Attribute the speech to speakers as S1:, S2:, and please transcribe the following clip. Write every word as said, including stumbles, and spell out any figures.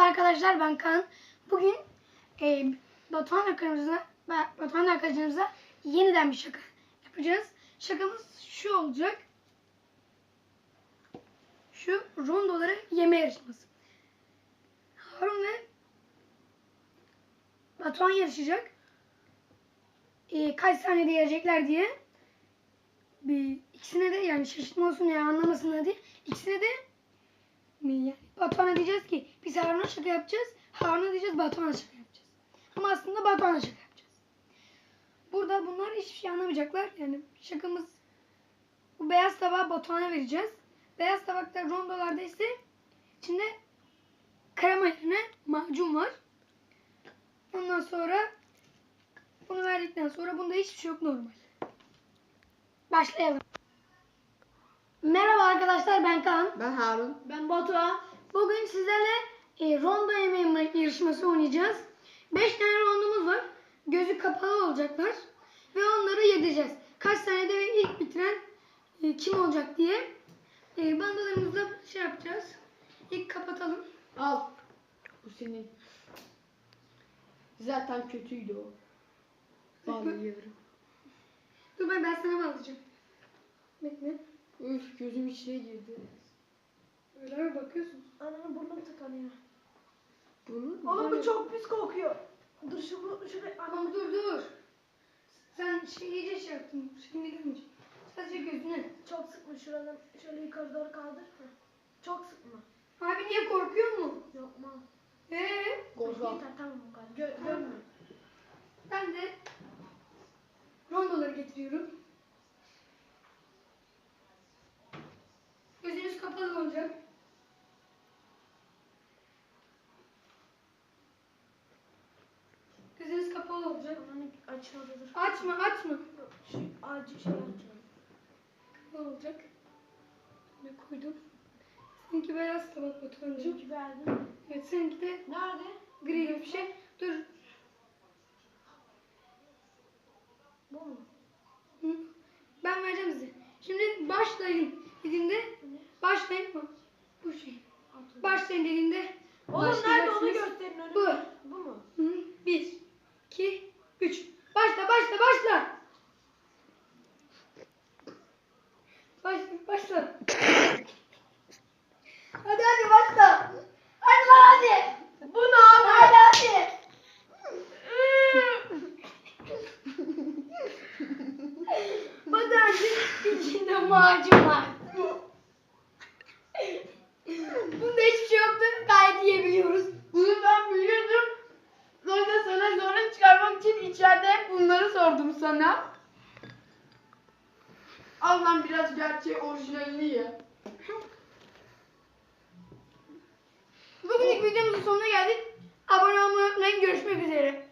S1: arkadaşlar, ben Kaan. Bugün e, Batuhan arkadaşımıza, Batuhan arkadaşımıza yeniden bir şaka yapacağız. Şakamız şu olacak. Şu rondoları yeme yarışması. Harun ve Batuhan yarışacak. E, kaç saniyede yiyecekler diye. Bir, ikisine de yani şaşırtma olsun ya anlamasınlar diye. İkisine de yani Batuhan'a diyeceğiz ki biz Harun'a şaka yapacağız. Harun'a diyeceğiz Batuhan'a şaka yapacağız. Ama aslında Batuhan'a şaka yapacağız. Burada bunlar hiçbir şey anlamayacaklar. Yani şakamız, bu beyaz tabağı Batuhan'a vereceğiz. Beyaz tabakta rondolarda ise içinde krema yerine macun var. Ondan sonra bunu verdikten sonra bunda hiçbir şey yok, normal. Başlayalım. Merhaba arkadaşlar, ben Kaan.
S2: Ben Harun.
S3: Ben Batuhan.
S1: Bugün sizlerle e, rondo yemeği yarışması oynayacağız. beş tane rondomuz var. Gözü kapalı olacaklar. Ve onları yedireceğiz. Kaç saniyede ve ilk bitiren e, kim olacak diye. E, bandalarımızla şey yapacağız. İlk kapatalım.
S2: Al. Bu senin. Zaten kötüydü o. Bağlıyorum.
S1: Dur ben, ben sana bağlayacağım. Bekle.
S2: Üf, gözüm içine girdi.
S1: Öyle mi bakıyorsun?
S3: Ananın burnum tıkanıyor.
S2: Bunun
S3: Oğlum bu
S2: böyle-
S3: çok pis kokuyor. Dur şu bu şuraya.
S1: Tamam dur dur. Sen şey iyice şey yaptın. Şimdi görmeyeceğim. Sadece gözüne.
S3: Çok sıkma şuradan. Şöyle yukarı doğru kaldır. Heh. Çok sıkma.
S1: Abi niye korkuyor mu?
S3: Yok mal.
S1: Eee?
S2: Korkak.
S3: Yeter tamam bu kadar. Gö görme.
S1: Ben de rondoları getiriyorum. Gözünüz kapalı olacak. Gözünüz kapalı olacak.
S3: Ananı açmadı dur.
S1: Açma açma.
S3: Yok, şu acil şey yapacağım.
S1: Kapalı olacak. Ne koydum? Seninki beyaz tabak Batuhan'cığım.
S3: Çünkü verdim.
S1: Evet, seninki de
S3: Nerede?
S1: gri gibi bir şey. Dur.
S3: Bu mu?
S1: Hı. Ben vereceğim size. Şimdi başlayın dediğimde
S3: Bu ne?
S1: başlayın mı? Bu şey.
S3: Atladım.
S1: Başlayın dediğimde
S3: Oğlum nerede onu
S1: başlayacaksınız.
S3: gösterin önüme.
S1: Bu.
S3: Bu mu?
S1: Hı. Bir, iki, üç. Başla, başla, başla. Başla, başla. Hadi hadi başla. Hadi lan hadi.
S3: Bu ne abi?
S1: Hadi hadi. Batuhan'cığım içinde macun var. Bunda hiçbir şey yoktu. Gayet yiyebiliyoruz.
S2: Bunu ben biliyordum. Sonra sana zorun çıkarmak için içeride hep bunları sordum sana. Al lan biraz gerçeği orijinalini ye.
S1: Bugünlük videomuzun sonuna geldik. Abone olmayı unutmayın. Görüşmek üzere.